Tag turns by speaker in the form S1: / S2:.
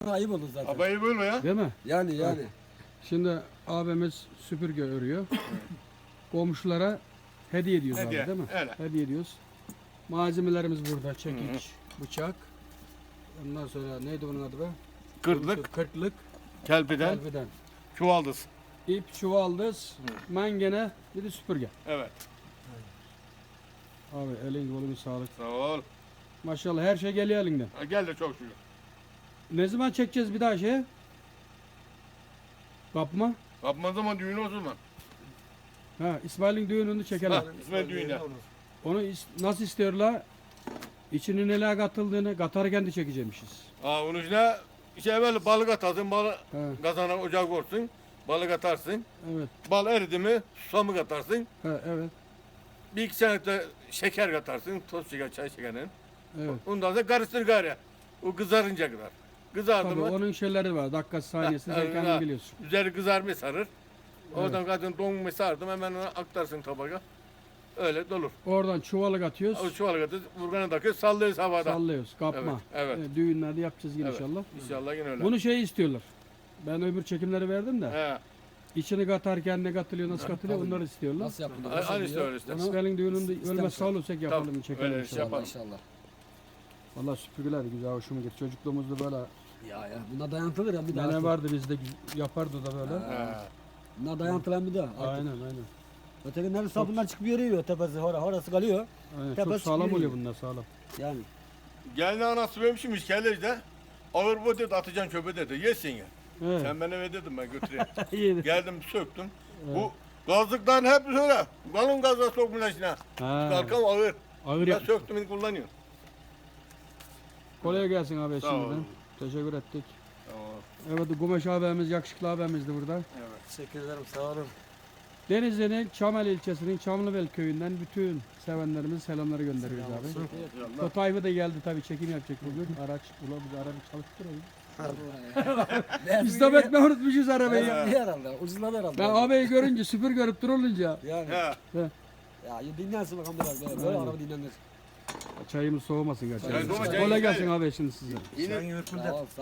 S1: ayıp olur zaten.
S2: Abayı böyle ya.
S3: Değil mi?
S1: Yani.
S3: Şimdi abimiz süpürge örüyor. Komşulara hediye ediyoruz
S2: Hediye,
S3: abi değil mi?
S2: öyle.
S3: Hediye ediyoruz. Malzemelerimiz burada. Çekiç, bıçak. Ondan sonra neydi bunun adı be? Kırklık.
S2: Kelpiden,
S3: Kalbiden.
S2: çuvaldız.
S3: İp, çuvaldız, mangene, bir de süpürge.
S2: Evet.
S3: Abi elin kolun sağlık.
S2: Sağ ol.
S3: Maşallah her şey geliyor elinden.
S2: Ha, gel de çok şükür.
S3: Ne zaman çekeceğiz bir daha şeye? Kapma.
S2: Yapma zaman düğün o zaman.
S3: Ha, İsmail'in düğününü çekelim.
S2: Ha, İsmet düğüne.
S3: Onu nasıl istiyorlar? İçine neler katıldığını katarken de çekecekmişiz.
S2: Ha, onun içine böyle balık atarsın, balık
S3: Ha,
S2: kazana ocak vursun, balık atarsın.
S3: evet.
S2: Bal eridi mi susamı katarsın.
S3: Ha, evet.
S2: Bir iki sene de şeker katarsın, toz şeker, çay şekerinin.
S3: Evet.
S2: Ondan sonra karıştır gayrı. O kızarınca kadar. Kızardı
S3: Tabii
S2: mı
S3: onun şeyleri var. Dakika saniyesi
S2: Ha,
S3: sen
S2: ha,
S3: kendin
S2: ha.
S3: biliyorsun.
S2: üzeri kızarmayı sarır. Oradan kadın donmayı sardım, hemen onu aktarsın tabağa. Öyle dolur.
S3: Oradan çuvalık atıyoruz.
S2: O çuvala kadar vurgana takıyor, sallıyoruz havada.
S3: Sallıyoruz. Kapma.
S2: Evet.
S3: Düğünlerde yapacağız yine
S2: Evet.
S3: inşallah.
S2: İnşallah yine öyle.
S3: Bunu şey istiyorlar. Ben öbür çekimleri verdim de.
S2: He.
S3: İçini katarken ne katılıyor, nasıl katılıyor
S1: tabii.
S3: onları istiyorlar.
S1: Nasıl yapılıyor?
S2: Aynı
S1: Nasıl
S2: işte
S1: oluyor?
S2: öyle işte.
S1: Onu-
S3: İsmail'in düğününde
S1: İstemişler.
S3: ölmez sağ olursak yapalım,
S2: Tabii,
S3: çekelim
S2: öyle
S3: inşallah.
S2: yapalım.
S1: İnşallah.
S3: Valla süpürgeler güzel, hoşuma gitti. Çocukluğumuzda böyle
S1: Ya buna dayantılır ya bir daha.
S3: nene vardı bizde yapardı da böyle.
S2: He.
S1: Buna dayantılan bir daha.
S3: Aynen aynen.
S1: Ötekilerin sabundan çıkıp yürüyor tepesi orası kalıyor.
S3: Aynen.
S1: Tepesi
S3: Çok sağlam
S1: yürüyor.
S3: oluyor bunlar, sağlam.
S1: Yani.
S2: Geldi anası vermişmiş kelleri de. Ağır bu dedi, atacaksın çöpe dedi. Yesin ya.
S3: Evet.
S2: Sen bana ver dedim, ben götüreyim.
S3: İyi.
S2: Geldim söktüm.
S3: Evet.
S2: Bu gazlıktan hep öyle. Kalın gazla sokmuş içine.
S3: Ha,
S2: Kalkam ağır.
S3: ağır
S2: Ben
S3: yapmış.
S2: söktüm, kullanıyorum.
S3: Kolay gelsin abi
S2: Sağ ol.
S3: şimdiden. Teşekkür ettik.
S2: Tamam.
S3: Evet, Gumeş abimiz, yakışıklı abimizdi burada.
S2: Evet.
S1: Teşekkür ederim sağ olun.
S3: Denizli'nin Çamel ilçesinin Çamlıbel köyünden bütün sevenlerimize selamları gönderiyoruz abi.
S2: İnşallah.
S3: Tayfı da geldi tabii, çekim yapacak bugün. Araç, ula biz arabayı çalıştıralım. Biz de bekle unutmuşuz arabayı.
S1: İyi herhalde. Ucuzladı herhalde.
S3: Ben abiyi görünce, süpür görüp durulunca
S1: Yani.
S2: He.
S1: Ya dinlensin bakalım biraz böyle. Böyle
S3: Aynen.
S1: araba dinlenir.
S3: çayımız soğumasın
S2: Çay
S3: gerçekten.
S2: soğuma, çay
S3: Kolay
S2: güzel.
S3: gelsin abi şimdi size.
S2: Yine
S1: Sağ ol.